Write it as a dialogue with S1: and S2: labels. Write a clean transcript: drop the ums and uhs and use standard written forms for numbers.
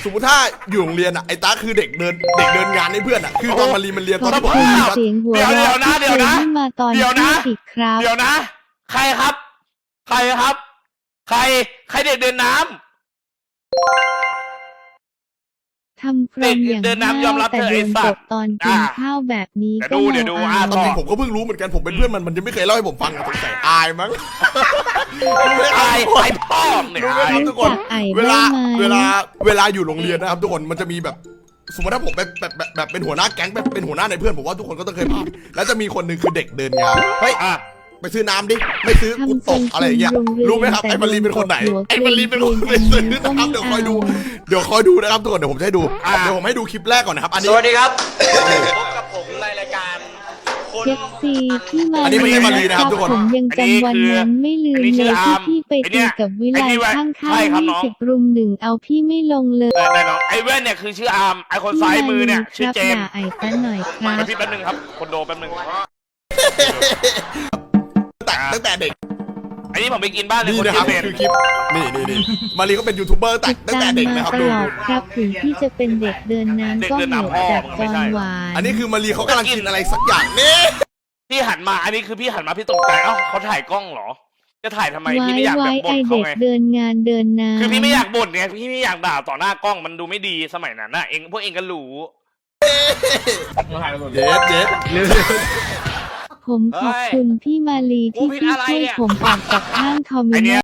S1: มมติถ้าอยู่โรงเรียนอ่ะไอ้ตาคือเด็กเดินงานให้เพื่อนอ่ะคือตอนมาเรียนตอนที่ผม
S2: เสียงหัว
S3: เดี๋ยวนะเดี๋ยวนะ
S2: มาตอน
S3: เดี๋ยวนะ
S2: ที่ครับ
S3: เดี๋ยวนะ ใครครับ ใครครับ ใครเด็กเดินน้ำ
S2: ทำพรมอย่าง
S3: เดินน้ำยอมรับ
S2: แต่
S3: เถอะ
S2: โด
S3: ไอ้
S2: น
S3: สั
S2: ต
S3: ต
S2: ก
S3: ว์
S2: ตอนกินข้าวแบบนี้ก็
S3: เดี๋ยวดู
S2: เอา
S1: ตอนจริงผมก็เพิ่งรู้เหมือนกันผมเป็นเพื่อนมันยังไม่เคยเล่าให้ผมฟังอะสงสัยอายมั้ง
S3: ไอ้พ่อเนี่ย
S1: รู้ไหมครับทุกคน
S2: จากไอ้
S1: เวลา
S2: ได้ไหม
S1: เวลาอยู่โรงเรียนนะครับทุกคนมันจะมีแบบสมมติถ้าผมแบบเป็นหัวหน้าแก๊งเป็นหัวหน้าในเพื่อนผมว่าทุกคนก็ต้องเคยผ่านแล้วจะมีคนหนึ่งคือเด็กเดินงานเฮ้ย
S3: อ่ะ
S1: ไปซื้อน้ำดิไม่ซื้อกูตกอะไรอย่างเงี้ยรู้ไหมครับไอ้มารีเป็นคนไหนไอ้มารีเป็นคนไปซื้อนะครับเดี๋ยวคอยดูนะครับทุกคนเดี๋ยวผมจะให้ดูเดี๋ยวผมให้ดูคลิปแรกก่อนนะครับอันนี้
S4: สวัสดีครับ พบกับผมในรายการคน
S2: เจ็กซีที่มา
S1: อันนี้ไม่ใช่มารีนะครับทุกคน
S2: ผมยังจำวันนั้นไม่ลืมเลยที่พี่ไปตีกับวิไลข้างๆ20 รุม 1เอาพี่ไม่ลงเลย
S3: ได้น้องไอ้แว่นเนี่ยคือชื่ออาร์มไอ้คนซ้ายมือเนี่ยชื่อเจมส์
S2: ไอ้ตั้นหน่อยครับ
S3: พี่แป๊บนึงครับคนโดแป๊บนึง
S1: ตั้งแต่เด็ก
S3: อันนี้ผมไปกินบ้านเลย
S1: นี่
S3: คน
S1: นะครับ
S3: เจมส์
S1: คือคลิปนี่มารีก็เป็นยูทูบเบอร์ตั้งแต่เด็กนะครับ
S2: ต
S1: ดู
S2: ลอดครับถึงพี่จะเป็นเด็กเดินน้ำก็เหนื่อยจากกองหวาน
S1: อันนี้คือมารีเขากำลังกินอะไรสักอย่างนี่
S3: พี่หันมาอันนี้คือพี่หันมาพี่ตกใจเอ้าเขาถ่ายกล้องเหรอ จะถ่ายทำไมพี่ไม่อยากแบบบ่
S2: ไอน
S3: เขา
S2: เด็ก
S3: ไง
S2: เดินงานเดินน้ำ
S3: คือพี่ไม่อยากบ่นไงพี่ไม่อยากด่าต่อหน้ากล้องมันดูไม่ดีสมัยนั้นน่ะพวกเองก็รู้
S1: เจ๊
S2: ผมขอบคุณพี่มาลีที่พี่ช่วยผมออกจากข้างคอมมิวนิสต์